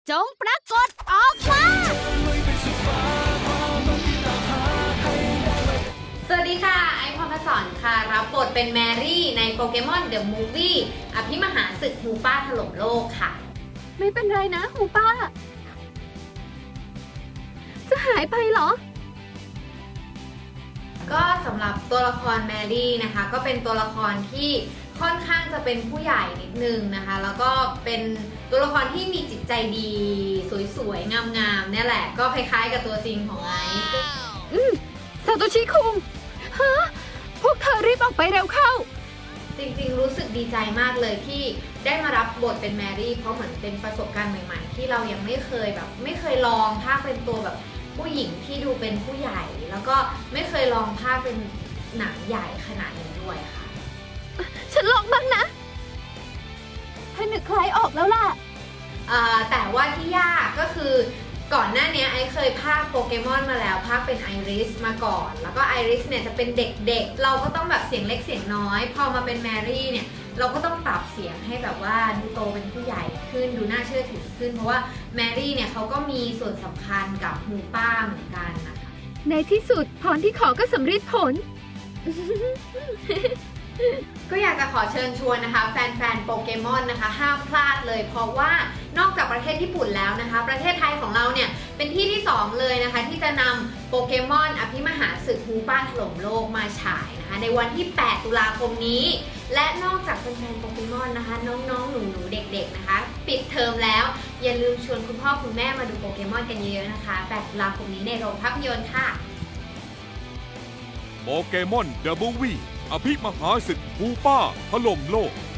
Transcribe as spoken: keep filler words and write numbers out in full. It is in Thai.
จงปรากฏออกมาสวัสดีค่ะ ไอซ์พรหมสอนค่ะ รับบทเป็นแมรี่ในโปเกมอนเดอะมูฟวี่อภิมหาศึกฮูป้าถล่มโลกค่ะไม่เป็นไรนะหูป้า จะหายไปเหรอก็สำหรับตัวละครแมรี่นะคะ ก็เป็นตัวละครที่ค่อนข้างจะเป็นผู้ใหญ่นิดนึงนะคะ แล้วก็เป็นตัวละครที่มีจิตใจดี สวยๆ งามๆเนี่ยแหละ ก็คล้ายๆกับตัวจริงของไอซ์อืมซาโตชิคุงฮะพวกเธอรีบออกไปเร็วเข้าจริงๆ รู้สึกดีใจมากเลยที่ได้มารับบทเป็นแมรี่ เพราะเหมือนเป็นประสบการณ์ใหม่ๆ ที่เรายังไม่เคยแบบ ไม่เคยลองภาคเป็นตัวแบบผู้หญิงที่ดูเป็นผู้ใหญ่ แล้วก็ไม่เคยลองภาคเป็นหนังใหญ่ขนาดนี้ด้วยค่ะฉันลองบ้างนะให้นึกใครออกแล้วล่ะเอ่อแต่ว่าที่ยากก็คือก่อนหน้านี้ไอซ์เคยพากย์โปเกมอนมาแล้วพากย์เป็นไอริสมาก่อน แล้วก็ไอริสเนี่ยจะเป็นเด็กๆ เราก็ต้องแบบเสียงเล็กเสียงน้อย พอมาเป็นแมรี่เนี่ยเราก็ต้องปรับเสียงให้แบบว่าดูโตเป็นผู้ใหญ่ขึ้นดูน่าเชื่อถือขึ้น เพราะว่าแมรี่เนี่ยเขาก็มีส่วนสำคัญกับฮูป้าเหมือนกันนะคะในที่สุดพรที่ขอก็สำเร็จผลก็อยากจะขอเชิญชวนนะคะแฟนๆโปเกมอนนะคะห้ามพลาดเลย เพราะว่านอกจากประเทศญี่ปุ่นแล้วนะคะ ประเทศไทยของเราเนี่ยเป็นที่ที่สองเลยนะคะที่จะนำโปเกมอนอภิมหาศึกฮูป้าถล่มโลกมาฉายนะคะในวันที่ แปด ตุลาคมนี้ และนอกจากแฟนๆโปเกมอนนะคะน้องๆหนูๆเด็กๆนะคะปิดเทอมแล้วอย่าลืมชวนคุณพ่อคุณแม่มาดูโปเกมอนกันเยอะๆนะคะ แปด ตุลาคมนี้ในโรงภาพยนตร์ค่ะโปเกมอนเดอะมูฟวี่อภิมหาศึกฮูป้าถล่มโลก